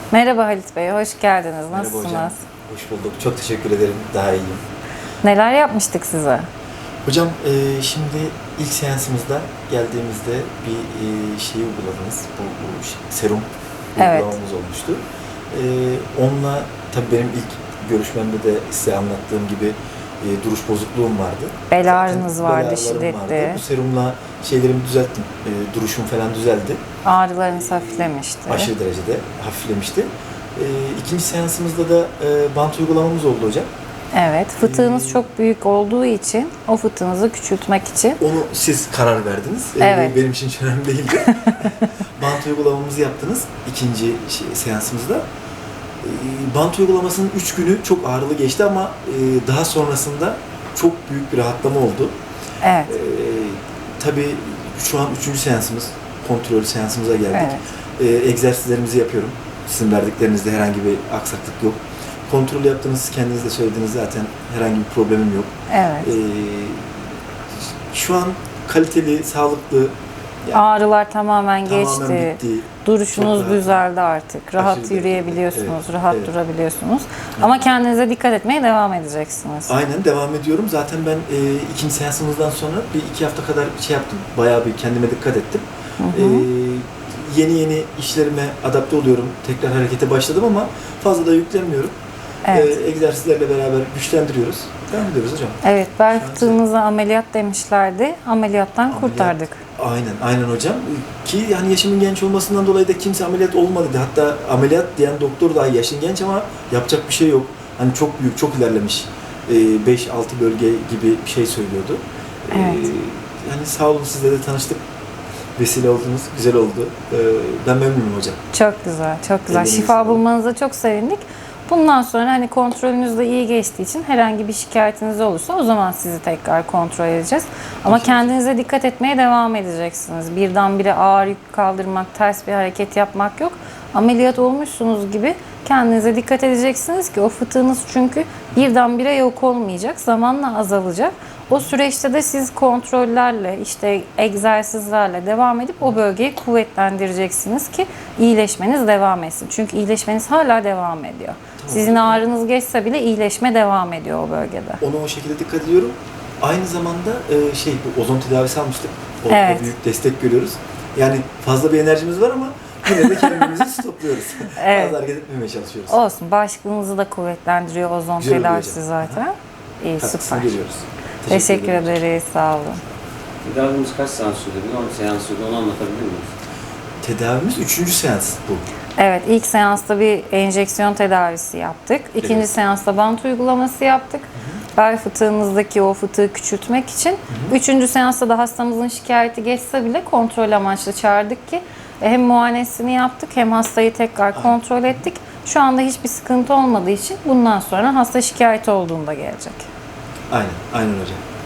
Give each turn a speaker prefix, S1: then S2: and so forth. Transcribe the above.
S1: Merhaba Halit Bey, hoş geldiniz.
S2: Merhaba
S1: Nasılsınız?
S2: hocam. Hoş bulduk. Çok teşekkür ederim. Daha iyiyim.
S1: Neler yapmıştık size?
S2: Hocam şimdi ilk seansımızda geldiğimizde bir şeyi uyguladınız. Bu serum
S1: Evet.
S2: uygulamamız olmuştu. Onunla tabii benim ilk görüşmemde de size anlattığım gibi duruş bozukluğum vardı.
S1: Bel ağrınız
S2: Zaten
S1: vardı,
S2: bel ağrılarım
S1: şiddetli.
S2: Bu serumla şeylerimi düzelttim. Duruşum falan düzeldi.
S1: Ağrılarınız hafiflemişti.
S2: Aşırı derecede hafiflemişti. İkinci seansımızda da bant uygulamamız oldu hocam.
S1: Evet, fıtığınız çok büyük olduğu için o fıtığınızı küçültmek için.
S2: Onu siz karar verdiniz.
S1: Evet.
S2: Benim için hiç önemli değildi. Bant uygulamamızı yaptınız ikinci seansımızda. Bant uygulamasının 3 günü çok ağrılı geçti ama daha sonrasında çok büyük bir rahatlama oldu.
S1: Evet.
S2: Tabii şu an 3. seansımız, kontrol seansımıza geldik.
S1: Evet.
S2: Egzersizlerimizi yapıyorum. Sizin verdiklerinizde herhangi bir aksaklık yok. Kontrol yaptınız, kendiniz de söylediniz zaten herhangi bir problemim yok.
S1: Evet.
S2: Şu an kaliteli, sağlıklı, yani
S1: Ağrılar tamamen geçti.
S2: tamamen bitti.
S1: Duruşunuz
S2: Çok rahat.
S1: düzeldi artık. Rahat
S2: Aşırı
S1: yürüyebiliyorsunuz,
S2: derecede.
S1: rahat
S2: Evet.
S1: durabiliyorsunuz. Ama kendinize dikkat etmeye devam edeceksiniz.
S2: Aynen devam ediyorum. Zaten ben ikinci seansımızdan sonra bir 2 hafta kadar şey yaptım. Bayağı bir kendime dikkat ettim. Yeni işlerime adapte oluyorum. Tekrar harekete başladım ama fazla da yüklenmiyorum.
S1: Evet.
S2: Egzersizlerle beraber güçlendiriyoruz. Devam ediyoruz hocam.
S1: Evet, bel
S2: Şu an
S1: fıtığınıza ameliyat demişlerdi. Ameliyattan
S2: Ameliyat.
S1: kurtardık.
S2: Aynen hocam. Ki yani yaşımın genç olmasından dolayı da kimse ameliyat olmadı dedi. Hatta ameliyat diyen doktor dahi yaşın genç ama yapacak bir şey yok. Hani çok büyük, çok ilerlemiş. 5-6 bölge gibi bir şey söylüyordu.
S1: Evet.
S2: Yani sağ olun, sizle de tanıştık. Vesile oldunuz, güzel oldu. Ben memnunum hocam.
S1: Çok güzel, çok güzel.
S2: Elinize
S1: Şifa
S2: sağlık.
S1: bulmanıza çok sevindik. Bundan sonra hani kontrolünüz de iyi geçtiği için herhangi bir şikayetiniz olursa o zaman sizi tekrar kontrol edeceğiz. Ama kendinize dikkat etmeye devam edeceksiniz. Birdenbire ağır yük kaldırmak, ters bir hareket yapmak yok. Ameliyat olmuşsunuz gibi kendinize dikkat edeceksiniz ki o fıtığınız çünkü birdenbire yok olmayacak, zamanla azalacak. O süreçte de siz kontrollerle, işte egzersizlerle devam edip o bölgeyi kuvvetlendireceksiniz ki iyileşmeniz devam etsin. Çünkü iyileşmeniz hala devam ediyor. Sizin ağrınız geçse bile iyileşme devam ediyor o bölgede.
S2: Ona o şekilde dikkat ediyorum. Aynı zamanda bu ozon tedavisi almıştık. Orada
S1: Evet.
S2: büyük destek görüyoruz. Yani fazla bir enerjimiz var ama yine de kendimizi stopluyoruz.
S1: Evet.
S2: Fazla hareket etmemeye çalışıyoruz.
S1: Olsun, bağışıklığınızı da kuvvetlendiriyor ozon
S2: Güzel oluyor
S1: tedavisi
S2: hocam.
S1: zaten. İyi,
S2: Katkısını
S1: süper.
S2: görüyoruz.
S1: Teşekkür
S2: ederim.
S1: ederiz, sağ olun.
S3: Tedavimiz kaç seans sürdü? Bir 10 seans sürdü. Onu anlatabilir miyiz?
S2: Tedavimiz 3. seans bu.
S1: Evet, ilk seansta bir enjeksiyon tedavisi yaptık. İkinci
S2: Evet.
S1: seansta bant uygulaması yaptık. Bel fıtığınızdaki o fıtığı küçültmek için. Üçüncü seansta da hastamızın şikayeti geçse bile kontrol amaçlı çağırdık ki hem muayenesini yaptık hem hastayı tekrar kontrol ettik. Şu anda hiçbir sıkıntı olmadığı için bundan sonra hasta şikayeti olduğunda gelecek.
S2: Aynen hocam.